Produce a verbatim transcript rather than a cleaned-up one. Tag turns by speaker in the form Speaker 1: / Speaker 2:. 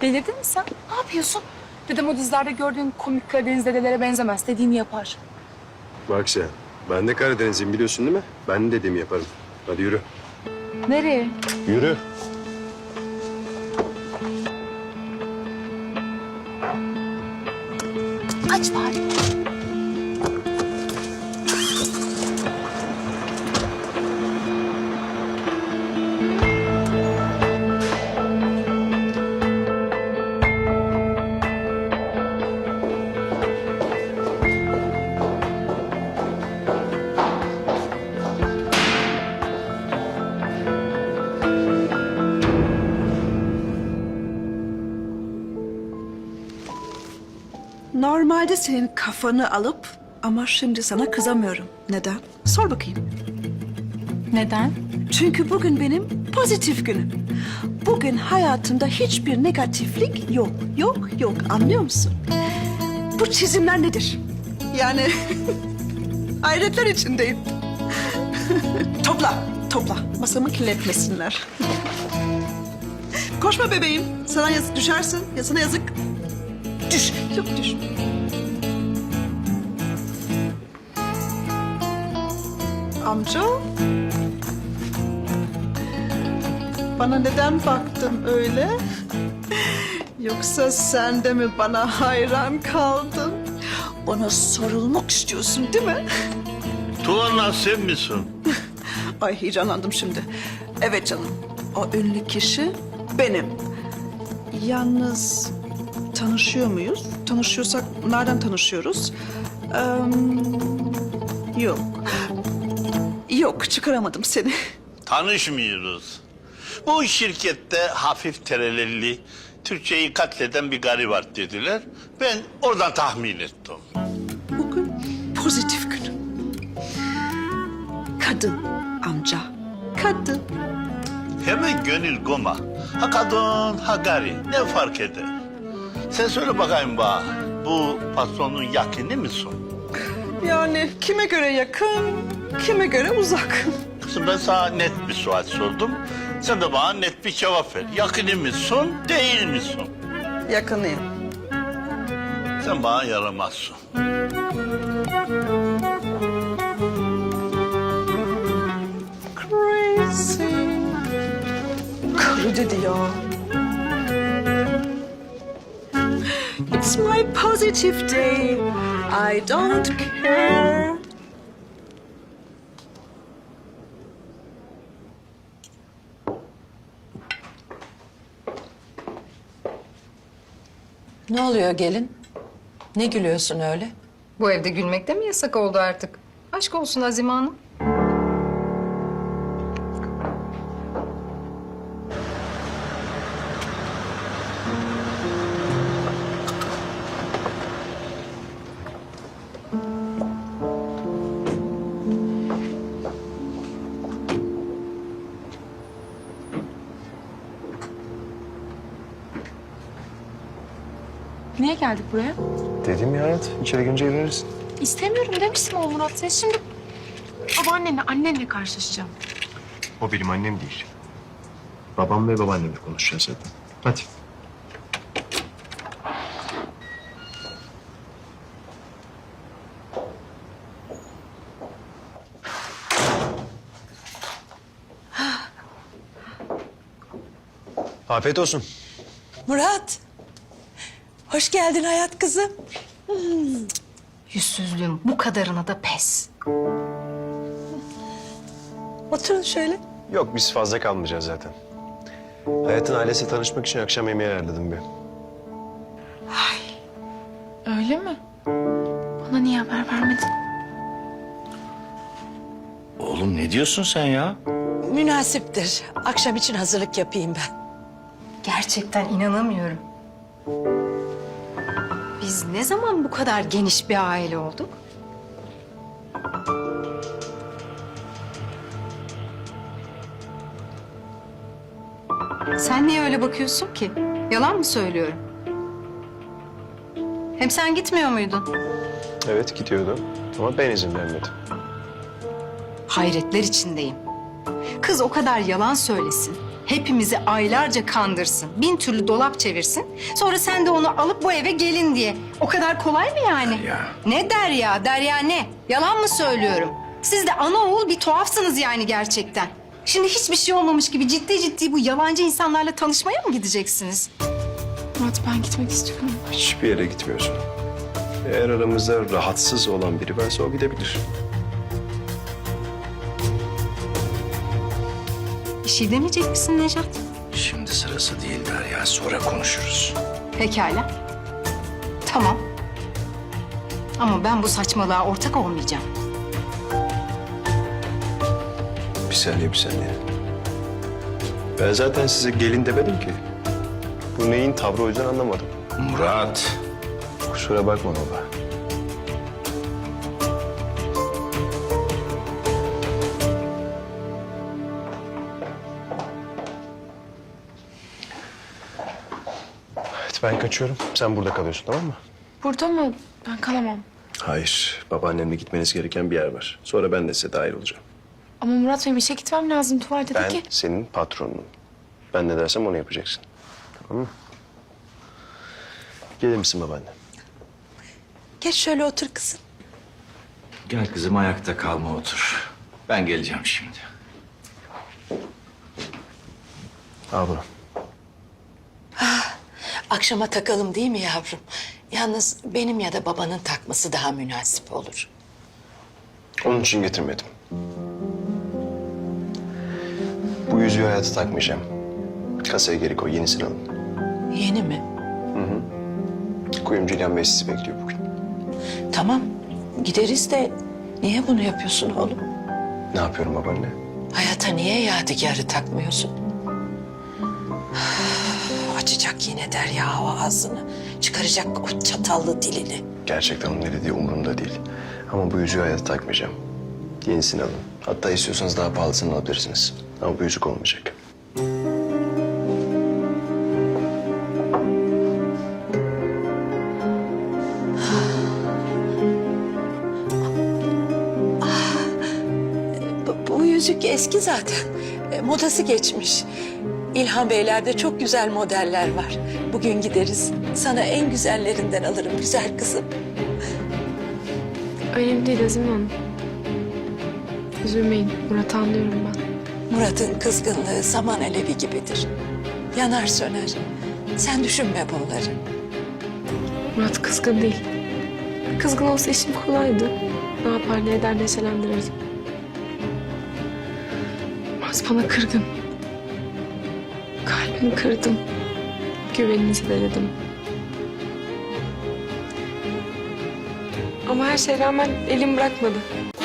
Speaker 1: Delirdin mi sen? Ne yapıyorsun? Dedem o dizilerde gördüğün komik Karadeniz dedelere benzemez. Dediğini yapar.
Speaker 2: Bak sen, ben de Karadenizliyim biliyorsun değil mi? Ben de dediğimi yaparım. Hadi yürü.
Speaker 1: Nereye?
Speaker 2: Yürü.
Speaker 1: Aç bari.
Speaker 3: Normalde senin kafanı alıp ama şimdi sana kızamıyorum. Neden? Sor bakayım.
Speaker 1: Neden?
Speaker 3: Çünkü bugün benim pozitif günüm. Bugün hayatımda hiçbir negatiflik yok. Yok, yok. Anlıyor musun? Bu çizimler nedir? Yani hayretler içindeyim. Topla, topla. Masamı kirletmesinler. Koşma bebeğim. Sana yazık düşersin. Ya sana yazık. Düş. Yok düş. Amca. Bana neden baktın öyle? Yoksa sen de mi bana hayran kaldın? Bana sorulmak istiyorsun değil mi?
Speaker 4: Tuğan'la sen misin?
Speaker 3: Ay heyecanlandım şimdi. Evet canım. O ünlü kişi benim. Yalnız tanışıyor muyuz? Tanışıyorsak nereden tanışıyoruz? Ee, yok. Yok çıkaramadım seni.
Speaker 4: Tanışmıyoruz. Bu şirkette hafif terelelli, Türkçeyi katleden bir gari var dediler. Ben oradan tahmin ettim.
Speaker 3: Bugün pozitif günüm. Kadın amca. Kadın.
Speaker 4: Hemen gönül goma. Ha kadın, ha gari. Ne fark eder? Sen söyle bakayım bana, bu patronun yakını mısın?
Speaker 3: Yani kime göre yakın, kime göre uzak.
Speaker 4: Kızım ben sana net bir sual sordum. Sen de bana net bir cevap ver. Yakını mısın, değil misin?
Speaker 3: Yakınıyım.
Speaker 4: Sen bana yaramazsın.
Speaker 3: Crazy. Karı dedi ya. It's my positive day. I don't care.
Speaker 5: Ne oluyor gelin? Ne gülüyorsun öyle?
Speaker 6: Bu evde gülmek de mi yasak oldu artık? Aşk olsun Azime Hanım.
Speaker 1: Niye geldik buraya?
Speaker 2: Dedim ya hayat, içeri girince gireriz.
Speaker 1: İstemiyorum demiştim ama Murat. Sen şimdi babaannenle, annenle karşılaşacağım.
Speaker 2: O benim annem değil. Babam ve babaannemle konuşacağız zaten. Hadi. Afiyet olsun.
Speaker 5: Murat. Hoş geldin hayat kızım.
Speaker 6: Yüzsüzlüğüm bu kadarına da pes.
Speaker 5: Oturun şöyle.
Speaker 2: Yok biz fazla kalmayacağız zaten. Hayat'ın ailesiyle tanışmak için akşam yemeği ayarladım bir.
Speaker 1: Öyle mi? Bana niye haber vermedin?
Speaker 4: Oğlum ne diyorsun sen ya?
Speaker 5: Münasiptir. Akşam için hazırlık yapayım ben.
Speaker 6: Gerçekten inanamıyorum. Biz ne zaman bu kadar geniş bir aile olduk? Sen niye öyle bakıyorsun ki? Yalan mı söylüyorum? Hem sen gitmiyor muydun?
Speaker 2: Evet gidiyordu ama ben izin vermedim.
Speaker 6: Hayretler içindeyim. Kız o kadar yalan söylesin. hepimizi aylarca kandırsın, bin türlü dolap çevirsin. Sonra sen de onu alıp bu eve gelin diye. O kadar kolay mı yani?
Speaker 2: Derya.
Speaker 6: Ne Derya? Derya ne? Yalan mı söylüyorum? Siz de ana oğul bir tuhafsınız yani gerçekten. Şimdi hiçbir şey olmamış gibi ciddi ciddi bu yalancı insanlarla tanışmaya mı gideceksiniz?
Speaker 1: Murat ben gitmek istiyorum.
Speaker 2: Hiçbir yere gitmiyorsun. Eğer aramızda rahatsız olan biri varsa o gidebilir.
Speaker 6: Bir şey demeyecek misin Nejat?
Speaker 2: Şimdi sırası değil Derya. Sonra konuşuruz.
Speaker 6: Pekala. Tamam. Ama ben bu saçmalığa ortak olmayacağım.
Speaker 2: Bir saniye bir saniye. Ben zaten size gelin demedim ki. Bu neyin tavrı o yüzden anlamadım.
Speaker 7: Murat.
Speaker 2: Kusura bakma baba. Evet ben kaçıyorum. Sen burada kalıyorsun tamam mı?
Speaker 1: Burada mı? Ben kalamam.
Speaker 2: Hayır. Babaannemle gitmeniz gereken bir yer var. Sonra ben de size dahil olacağım.
Speaker 1: Ama Murat benim işe gitmem lazım. Tuval dedi
Speaker 2: Ben
Speaker 1: ki.
Speaker 2: senin patronunum. Ben ne dersem onu yapacaksın. Tamam mı? Gelir misin babaanne?
Speaker 5: Geç şöyle otur kızım.
Speaker 7: Gel kızım ayakta kalma otur. Ben geleceğim şimdi.
Speaker 2: Al bunu.
Speaker 5: Akşama takalım değil mi yavrum? Yalnız benim ya da babanın takması daha münasip olur.
Speaker 2: Onun için getirmedim. Bu yüzüğü hayata takmayacağım. Kasaya geri koy, yenisini alın.
Speaker 5: Yeni mi?
Speaker 2: Kuyumcu İlhan Bey sizi bekliyor bugün.
Speaker 5: Tamam gideriz de niye bunu yapıyorsun oğlum?
Speaker 2: Ne yapıyorum babaanne?
Speaker 5: Hayata niye yadigarı takmıyorsun? Açacak yine Derya o ağzını. Çıkaracak o çatallı dilini.
Speaker 2: Gerçekten onun ne dediği umurumda değil. Ama bu yüzüğü hayata takmayacağım. Yenisini alın. Hatta istiyorsanız daha pahalısını alabilirsiniz. Ama bu yüzük olmayacak.
Speaker 5: Bu, bu yüzük eski zaten. E, modası geçmiş. İlhan Beyler'de çok güzel modeller var. Bugün gideriz. Sana en güzellerinden alırım güzel kızım.
Speaker 1: Önemli değil Azime Hanım. Üzülmeyin. Murat'ı anlıyorum ben.
Speaker 5: Murat'ın kızgınlığı saman alevi gibidir. Yanar söner. Sen düşünme bunları.
Speaker 1: Murat kızgın değil. Kızgın olsa işim kolaydı. Ne yapar ne eder neşelendirirdim. Murat bana kırgın. Kalbini kırdım. Güvenini zedeledim. Ama her şeye rağmen elim bırakmadı.